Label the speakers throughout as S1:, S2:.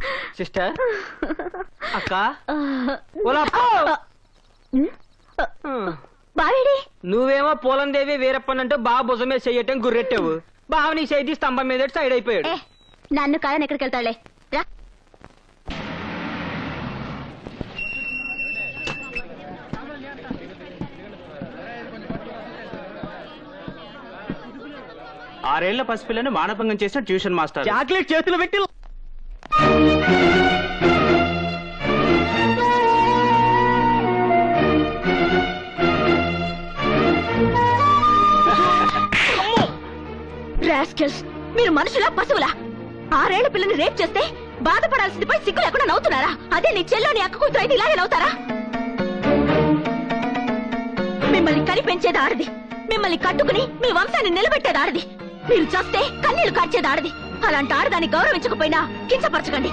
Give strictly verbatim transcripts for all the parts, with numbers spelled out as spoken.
S1: Sister అక్క
S2: బావేడి
S1: నువ్వేమో పోలందేవి వీరప్పనంటూ బాగా భుజమే చెయ్యటం గుర్రెట్టావు. బావ నీ చేతి స్తంభం మీద సైడ్ అయిపోయాడు.
S2: నన్ను కాదని ఎక్కడికి వెళ్తాడులే రా.
S3: ఆరేళ్ల పసిపిల్లని మానభంగం చేసిన ట్యూషన్ మాస్టర్
S1: చాక్లెట్ చేతులు పెట్టి
S2: రాస్కెల్స్, మీరు మనుషులా పశువులా? ఆరేళ్ల పిల్లని రేప్ చేస్తే బాధపడాల్సింది పోయి సిగ్గు లేకుండా నవ్వుతున్నారా? అదే నీ చెల్లో నీ అక్క కూతురు అయితే ఇలాగే నవ్వుతారా? మిమ్మల్ని కని పెంచేది ఆడది, మిమ్మల్ని కట్టుకుని మీ వంశాన్ని నిలబెట్టేది ఆడది, మీరు చేస్తే కన్నీళ్లు కార్చేది ఆడది. అలాంటి ఆడదాన్ని గౌరవించకపోయినా కించపరచకండి.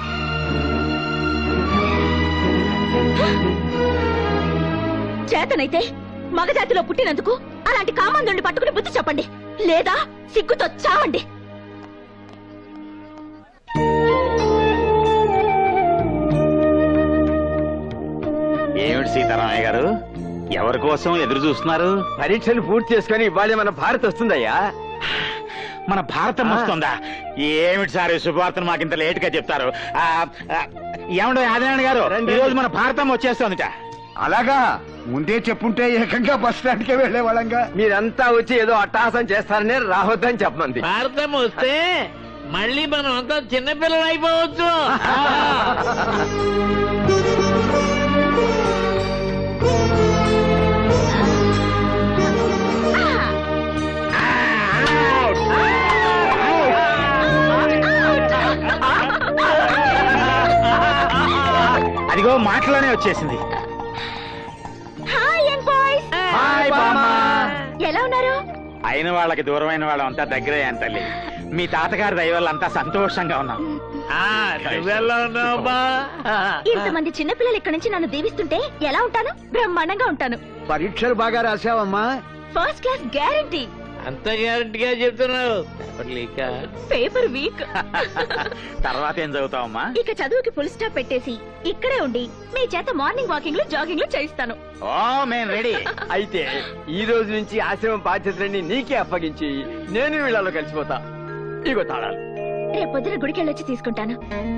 S2: చేతనైతే మగజాతిలో పుట్టినందుకు అలాంటి కామందుని పట్టుకుని బుద్ధి చెప్పండి, లేదా సిగ్గుతో చావండి.
S3: ఏమిటి సీతారామయ్య గారు, ఎవరి కోసం ఎదురు చూస్తున్నారు?
S4: పరీక్షలు పూర్తి చేసుకుని ఇవాళ మన భారత్ వస్తుందయ్యా.
S3: మన భారతం వస్తుందా? ఏమిటి సార్ శుభవార్తను మాకింత లేట్ గా చెప్తారు? ఏమండో ఆదినారాయణ గారు, ఈ రోజు మన భారతం వచ్చేస్తుందిట.
S4: అలాగా? ముందే చెప్పుంటే ఏకంగా బస్ స్టాండ్ కే వెళ్లే వాళ్ళంగా. మీరంతా వచ్చి ఏదో అట్టహాసం చేస్తారని రావద్దని చెప్పమంది.
S5: భారతం వస్తే మళ్ళీ మనం అంతా చిన్నపిల్లలు అయిపోవచ్చు.
S3: అదిగో మాటలోనే వచ్చేసింది.
S2: ఎలా ఉన్నారు?
S3: అయిన వాళ్ళకి దూరమైన వాళ్ళం అంతా దగ్గరే తల్లి. మీ తాతగారి దయ వల్ల అంతా సంతోషంగా ఉన్నాం.
S2: ఇంతమంది చిన్నపిల్లలు ఇక్కడ నుంచి నన్ను దీవిస్తుంటే ఎలా ఉంటాను? బ్రహ్మాండంగా ఉంటాను.
S4: పరీక్షలు బాగా రాసావమ్మా?
S2: First class guarantee.
S5: అంత గ్యారంటీగా చెప్తున్నావు?
S2: Paper weak.
S3: తర్వాత ఏం చదువుతావమ్మా?
S2: ఇక చదువుకి ఫుల్ స్టాప్ పెట్టేసి ఇక్కడే ఉండి మీ చేత మార్నింగ్ వాకింగ్ లో జాగింగ్ లో చేయిస్తాను.
S3: ఓ మేము రెడీ.
S4: అయితే ఈ రోజు నుంచి ఆశ్రమం బాధ్యతలన్నీ నీకే అప్పగించి నేను వీళ్ళలో కలిసిపోతా. ఇగో తాళాలు.
S2: రేపొద్దున గుడికి వెళ్ళొచ్చి తీసుకుంటాను.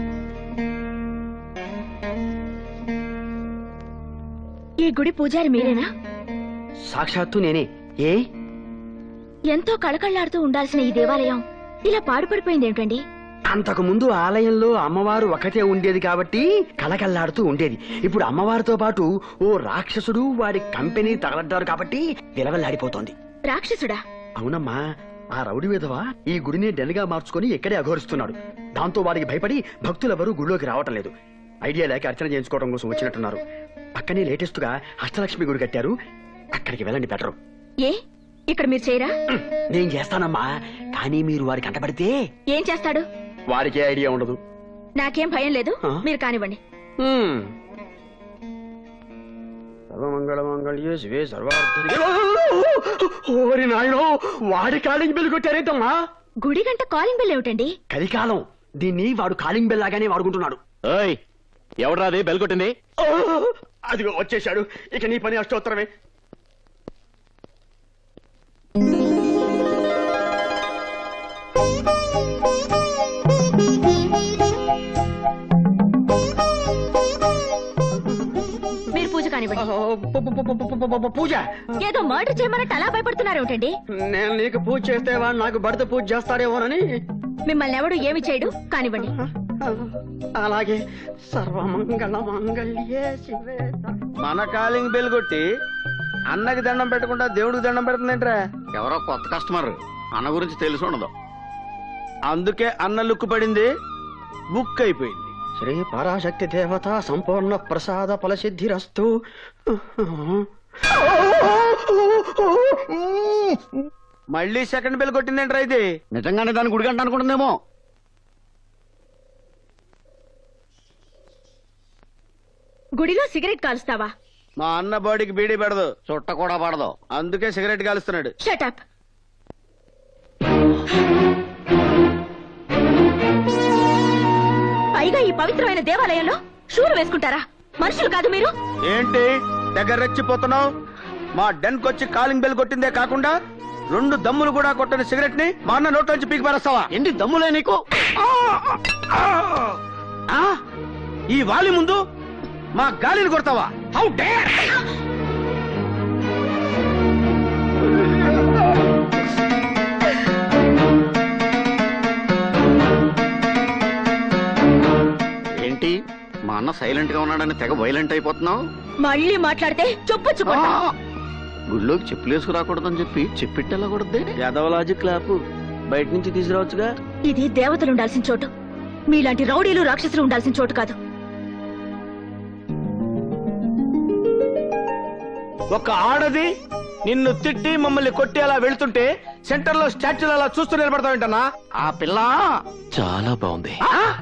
S2: ఈ గుడి పూజారి మీరేనా?
S1: సాక్షాత్తు నేనే. ఏ
S2: ఎంతో కళకళ్లాడుతూ ఉండాల్సిన ఈ దేవాలయం ఇలా పాడుపడిపోయింది ఏమిటండి?
S1: అంతకు ముందు ఆలయంలో అమ్మవారు ఒకటే ఉండేది కాబట్టి కలకల్లాడుతూ ఉండేది. ఇప్పుడు అమ్మవారితో పాటు ఓ రాక్షసుడు వాడి కంపెనీ తగలడ్డారు కాబట్టి విలవల్లాడిపోతోంది.
S2: రాక్షసుడా?
S1: అవునమ్మా, ఆ రౌడీ విధవ ఈ గుడిని డెన్గా మార్చుకుని ఇక్కడే అఘోరిస్తున్నాడు. దాంతో వాడికి భయపడి భక్తులెవరూ గుడిలోకి రావటం లేదు. ఐడియా లేక అర్చన చేయించుకోవడం కోసం వచ్చినట్టున్నారు. పక్కనే లేటెస్ట్ గా అష్టలక్ష్మి గుడి కట్టారు, అక్కడికి వెళ్ళండి బెటరు.
S2: ఏ ఇక్కడ మీరు చేయరా?
S1: నేను చేస్తానమ్మా, కానీ మీరు వారికి అంటపడితే
S2: ఏం చేస్తాడు?
S1: వారికి ఐడియా ఉండదు.
S2: నాకేం భయం లేదు, మీరు కానివ్వండి.
S1: సర్వమంగళమంగళ్యే శివే సర్వార్థ. ఓరి నాయనో, వాడి కాలింగ్ బెల్ కొట్టారేంటమ్మా?
S2: గుడి గంట కాలింగ్ బెల్ ఏమిటండి?
S1: కలికాలం, దీన్ని వాడు కాలింగ్ బెల్ లాగానే వాడుకుంటున్నాడు.
S3: ఎవడ్రాది బెల్ కొట్టింది?
S1: అదిగో వచ్చేశాడు. ఇక నీ పని అష్టోత్తరమే.
S2: మీరు పూజ కానివ్వండి.
S1: పూజ?
S2: ఏదో మర్డర్ చేయమన్నట్టు అలా భయపడుతున్నారు ఏమిటండి?
S1: నేను నీకు పూజ చేస్తే వాడు నాకు భర్త పూజ చేస్తాడేమోనని.
S2: మిమ్మల్ని ఎవడు ఏమి చేయడు, కానివ్వండి.
S1: అలాగే. సర్వమంగళ మంగళ్యే శివే.
S4: మన కాలింగ్ బెల్ కొట్టి అన్నకి దండం పెట్టకుండా దేవుడికి దండం పెడుతుందేంట్రా?
S3: ఎవరో కొత్త కస్టమర్, అన్న గురించి తెలిసి ఉండదు.
S4: అందుకే అన్న లుక్కు పడింది, బుక్ అయిపోయింది.
S1: శ్రీ పరాశక్తి దేవత సంపూర్ణ ప్రసాద ఫలసిద్ధిరస్తు.
S4: మళ్ళీ సెకండ్ బెల్ కొట్టిందేంట్రా ఇది?
S1: నిజంగానే దాని గుడిగంట అనుకుంటుందేమో.
S2: గుడిలో సిగరెట్ కాలుస్తావా?
S4: మా అన్న బాడీకి బీడీ పెడదు,
S3: చుట్ట కూడా పడదు,
S4: అందుకే సిగరెట్ కాలుస్తున్నాడు.
S2: Shut up. పైగా ఈ పవిత్రమైన దేవాలయంలో షూలు వేసుకుంటారా? మనుషులు కాదు మీరు.
S1: ఏంటి దగ్గర రెచ్చిపోతున్నావు? మా డెన్ కొచ్చి కాలింగ్ బెల్ కొట్టిందే కాకుండా రెండు దమ్ములు కూడా కొట్టని సిగరెట్ ని మా అన్న నోట్లోంచి పీకి పారేస్తావా? ఏంటి దమ్ములే నీకు? ఆ? ఈ వాలి ముందు మా గాలిని కొడతావా? How dare!
S6: ఏంటి మా అన్న సైలెంట్ గా ఉన్నాడని తెగ వైలెంట్ అయిపోతున్నావు?
S2: మళ్ళీ మాట్లాడితే చొప్పొచ్చుకుంటా.
S6: గుళ్ళోకి చెప్పులేసుకు రాకూడదని చెప్పి చెప్పిట్టెళ్ళకూడదే.
S1: యాదవలాజీ క్లాపు బయట నుంచి తీసుకురావచ్చుగా.
S2: ఇది దేవతలు ఉండాల్సిన చోటు, మీలాంటి రౌడీలు రాక్షసులు ఉండాల్సిన చోటు కాదు.
S1: ఒక ఆడది నిన్ను తిట్టి మమ్మల్ని కొట్టి అలా వెళ్తుంటే సెంటర్ లో స్టాచ్యూలు అలా చూస్తూ నిలబడతావేంటన్నా?
S6: ఆ పిల్ల
S7: చాలా బాగుంది.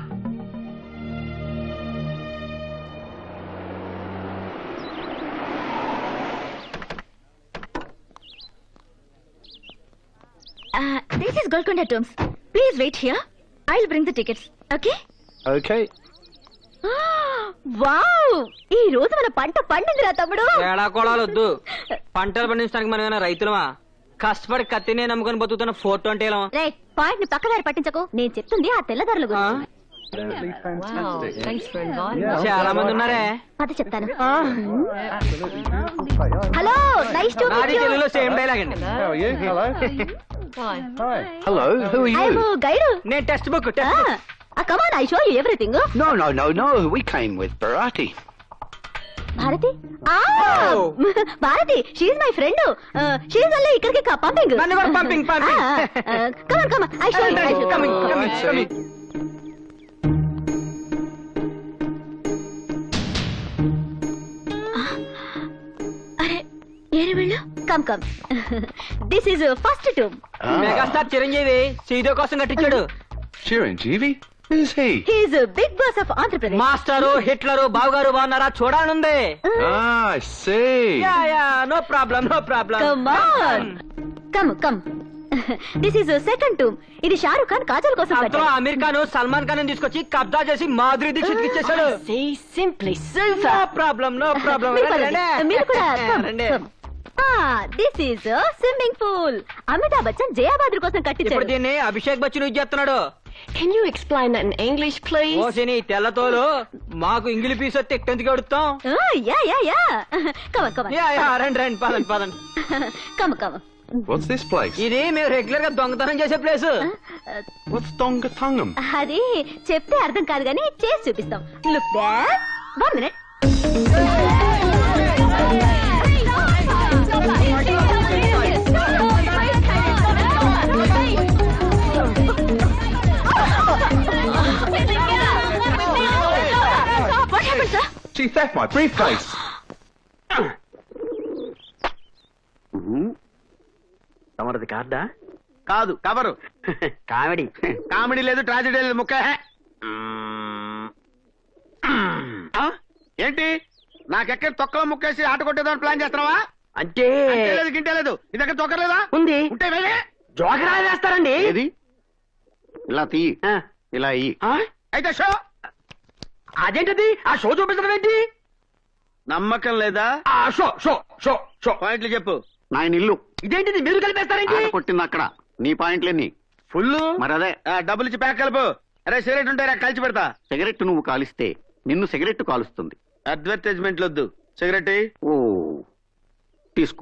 S2: This is Golconda tombs. Please wait here. I will bring the tickets. Okay?
S1: Okay.
S2: Wow! ఈ రోజు మన పంట పండిందిరా తమ్ముడు.
S8: ఏడా కొడాలు వద్దు. పంటలు పండించడానికి మనం ఏమైనా రైతులమా? కష్టపడి కత్తినే నమ్ముకొని బతుకుతున్న ఫోర్ ట్వంటీ
S2: రే, పాయింట్ ని పక్కదారి పట్టించకు. నేను చెప్తుంది ఆ తెల్లదారుల గురించి.
S8: చాలా మంది ఉన్నారే.
S2: అది చెప్తాను. హలో, నైస్ టు
S8: నాది
S2: మీట్ యు.
S8: తెలుగులో సేమ్ డైలాగ్ అండి.
S7: Hello, who are
S2: I
S7: you?
S2: Am guide.
S8: నేను text book
S2: come on, I show you everything.
S7: No, no, no, no. We came with Bharati.
S2: Bharati? ఆ Bharati, she is my friend. She is అల్లే ఇక్కడికి పంపింగ్.
S8: నన్ను కూడా పంపింగ్, పంపింగ్.
S2: Come on, come on, I show you.
S8: Coming, coming, coming.
S2: అరే ఏరే వెళ్ళు. Come come. This is first tomb.
S8: Megastar Chiranjeevi సీదో కోసం కట్టించాడు.
S7: Chiranjeevi? Who's he?
S2: He is big boss of Andhra Pradesh.
S8: Master, Hitler, బావగారు బాగున్నారా? చూడాలనుంది.
S7: Ah, I see.
S8: Yeah yeah, no problem, no problem.
S2: Come on, come come. This is second tomb. ఇది షారుఖ్ ఖాన్ కాజల్ కోసం
S8: అందులో
S2: కట్టాడు.
S8: అమీర్ ఖాన్ సల్మాన్ ఖాన్ తీసుకొచ్చి కబ్జా చేసి మాధురి దీక్షిత్ ఇచ్చేసాడు.
S2: Simply
S8: no problem, no problem.
S2: మీరు కూడా this is swimming pool. Amitabh Bachchan Jaya Bhaduri కోసం
S8: ఇప్పుడు
S2: కట్టించాడు.
S8: దీన్ని అభిషేక్ బచ్చన్ యూజ్ చేస్తున్నాడు.
S9: Can you explain that in English, please?
S8: ఓ సిని తెల్లతోలు మాకు ఇంగిలి పీస్ వస్తే ఎక్కడికి అడుగుతాం.
S2: Yeah yeah yeah. Come come.
S8: Yeah yeah, రండి రండి, పదండి పదండి.
S2: Come come.
S7: What's this place?
S8: ఇది మేము రెగ్యులర్ గా దొంగతనం చేసే ప్లేస్.
S7: What's Dongatungam?
S2: అది చెప్తే అర్థం కాదు కానీ చేసి చూపిస్తాం. Look there. One minute. What happened, sir?
S7: She theft my briefcase.
S1: తమరది కార్డా? కాదు, కవరు. కామెడీ. కామెడీ లేదు, ట్రాజెడీ లేదు, ముక్క. ఆ? ఏంటి నాకెక్కడ తొక్కలో ముక్కేసి ఆట కొట్టేదాన్ని ప్లాన్ చేస్తున్నావా? అంటే లేదు, గింటే లేదు. నీ దగ్గర తొక్కలేదా? ఉంది. ఉంటే వేరే జోకరా వేస్తారండి.
S6: ఏది ఇలా తీ, ఇలా ఇయ్యి.
S1: అయితే షో. అదేంటది? ఆ షో చూపించడం ఏంటి? నమ్మకం లేదా? ఆ షో షో షో షో పాయింట్లు చెప్పు.
S6: నాయన ఇల్లు.
S1: ఇదేంటిది? మీరు కలిపేస్తారేంటి?
S6: ఆట కొట్టింది అక్కడ. నీ పాయింట్లేని
S1: ఫుల్.
S6: మరి అదే
S1: డబ్బులు ఇచ్చి ప్యాక్ కలుపు. అరే సిగరెట్ ఉంటారా? కలిసి పెడతా.
S6: సిగరెట్ నువ్వు కాలిస్తే నిన్ను సిగరెట్ కాలుస్తుంది.
S1: అడ్వర్టైజ్మెంట్లు వద్దు. సిగరెట్
S6: ఓ తీసుకో.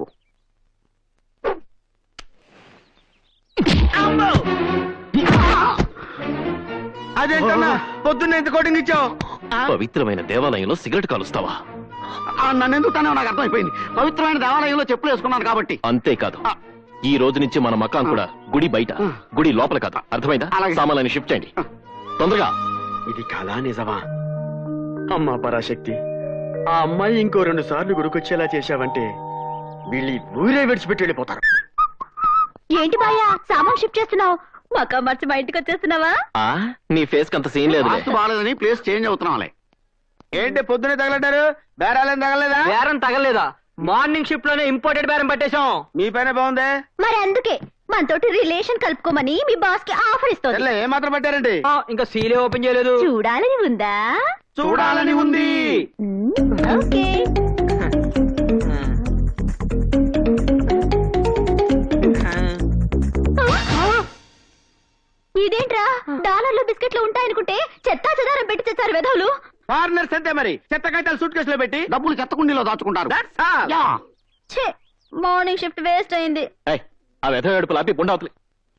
S1: అదేంటన్నా పొద్దున్న ఎంత కోటింగ్ ఇచ్చావు?
S7: పవిత్రమైన దేవాలయంలో సిగరెట్ కాలుస్తావా?
S6: నన్ను ఎందుకు తనే నాకు అర్థమైపోయింది. పవిత్రమైన దేవాలయంలో చెప్పులు వేసుకున్నాను కాబట్టి.
S7: అంతేకాదు, ఈ రోజు నుంచి మన మకాం కూడా గుడి బయట, గుడి లోపల కాదు. అర్థమైందా?
S6: అలాగే.
S7: సామాన్యాన్ని షిఫ్ట్ చేయండి తొందరగా.
S1: ఇది కళా నిజమా? అమ్మా పరాశక్తి, ఆ అమ్మాయి ఇంకో రెండు సార్లు గుడికొచ్చేలా చేశావంటే వీళ్ళు ఈ ఊరే విడిచిపెట్టి వెళ్ళిపోతారు.
S2: ఏంటి బాయా సామాన్ షిఫ్ట్ చేస్తున్నావు? మకా మార్చి మా ఇంటికి వచ్చేస్తున్నావా?
S7: ఆ నీ ఫేస్ అంత సీన్ లేదు.
S6: వాస్తు బాగాలేదని ప్లేస్ చేంజ్ అవుతున్నాంలే.
S1: ఏంటి పొద్దునే తగలడ్డారు? బేరాలేం తగలలేదా?
S8: బేరం తగలేదా? మార్నింగ్ షిఫ్ట్ లోనే ఇంపోర్టెడ్ బేరం పట్టేశాం.
S1: మీ పైన బాగుందే.
S2: మరి అందుకే మనతోటి రిలేషన్ కలుపుకోమని మీ బాస్ కి ఆఫర్ ఇస్తుంది
S4: ఏ మాత్రం పెట్టారండి
S8: ఆ, ఇంకా సీలే ఓపెన్ చేయలేదు
S2: చూడాలని ఉందా
S4: చూడాలని ఉంది
S2: మ్మ్, ఓకే ఇదేంట్రా డాలర్లు బిస్కెట్లు ఉంటాయనుకుంటే చెత్తా చెదారం పెట్టి తెచ్చారు వెధవులు
S4: ఫారినర్స్ అంతే మరి చెత్త కట్టాలు సూట్ కేసులో పెట్టి
S6: డబ్బులు చెత్తకుండీలో దాచుకుంటారు
S4: That's all.
S6: యా.
S2: ఛే మార్నింగ్ షిఫ్ట్ వేస్ట్ అయింది
S7: ఏయ్, ఆ వెధ ఏడుపులు ఆపి గుండవతలి.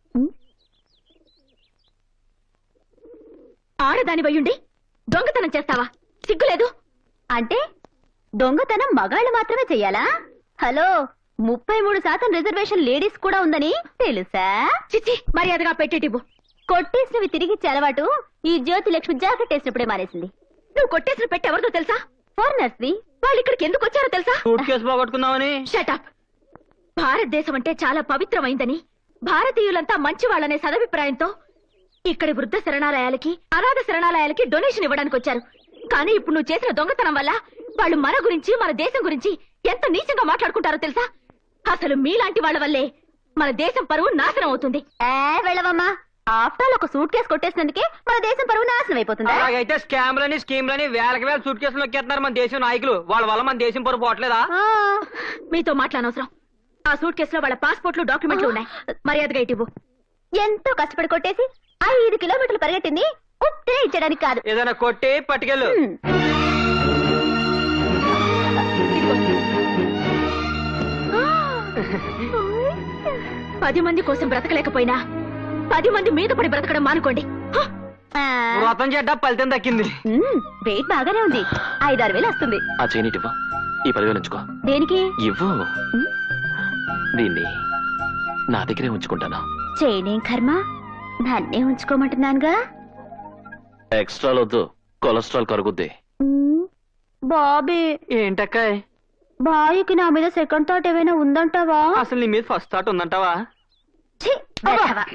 S2: ఆడదాని వయ్యుండి దొంగతనం చేస్తావా సిగ్గులేదు అంటే దొంగతనం మగాళ్ళు మాత్రమే చెయ్యాలా హలో ముప్పై మూడు శాతం రిజర్వేషన్ లేడీస్ కూడా ఉందని తెలుసా చిచి మర్యాదగా పెట్టేటివ్వు కొట్టేసినవి తిరిగిచ్చే అలవాటు ఈ జ్యోతి లక్ష్మి జాకెట్ వేసినప్పుడే మానేసింది నువ్వు కొట్టేసిన పెట్టి ఎవరితో తెలుసా ఫారినర్స్ ది వాళ్ళు ఇక్కడికి ఎందుకు వచ్చారో తెలుసా
S8: సూట్ కేసు పోగొట్టుకుందామని
S2: షటప్ భారతదేశం అంటే చాలా పవిత్రమైందని భారతీయులంతా మంచి వాళ్ళనే సదభిప్రాయంతో ఇక్కడి వృద్ధ శరణాలయాలకి అనాథ శరణాలయాలకి డొనేషన్ ఇవ్వడానికి వచ్చారు కానీ ఇప్పుడు నువ్వు చేసిన దొంగతనం వల్ల వాళ్ళు మన గురించి మన దేశం గురించి ఎంత నీచంగా మాట్లాడుకుంటారో తెలుసా అసలు మీలాంటి వాళ్ళ వల్లే మన దేశం పరువు నాశనం అవుతుంది వెళ్ళవమ్మా ఆఫ్టర్ ఆల్ ఒక సూట్ కేసు కొట్టేసినందుకే మన దేశం పరువు నాశనం అయిపోతుంది
S8: అలాగైతే స్కామ్లని స్కీమ్లని వేలకి వేల సూట్ కేసులు నొక్కేస్తున్నారు మన దేశం నాయకులు వాళ్ళ వల్ల మన దేశం పరువు పోవట్లేదా
S2: మీతో మాట్లాడనవసరం ఆ సూట్ కేసులో వాళ్ళ పాస్పోర్ట్లు డాక్యుమెంట్లు ఉన్నాయి మర్యాదగా ఇటు ఎంతో కష్టపడి కొట్టేసి ఐదు కిలోమీటర్లు పరిగెట్టింది ఉత్తే ఇచ్చడానికి కాదు
S8: ఏదైనా కొట్టి పట్టుకెళ్ళు
S2: పది మంది కోసం బ్రతకలేకపోయినా పది మంది మీద పడి బ్రతకడం మానుకోండి
S8: వ్రతం చెడ్డ ఫలితం దక్కింది
S2: వెయిట్ బాగానే ఉంది ఐదారు వేలు వస్తుంది
S7: ఆ చైనీటి ఇవ్వు. ఈ పదివేలు ఉంచుకో.
S2: దేనికి
S7: ఇవ్వు. దీన్ని నా దగ్గరే ఉంచుకుంటాను.
S2: చేయనేం కర్మ నన్నే ఉంచుకోమంటున్నానుగా
S7: ఎక్స్ట్రా వద్దు, కొలెస్ట్రాల్ కరుగుద్ది.
S2: బాబీ
S8: ఏంటక్కాయ్
S2: బాయ్కి నా మీద సెకండ్ థాట్ ఏమైనా ఉందంటావా
S8: అసలు నీ మీద ఫస్ట్ థాట్ ఉందంటావా
S2: ఛీ, వెధవ.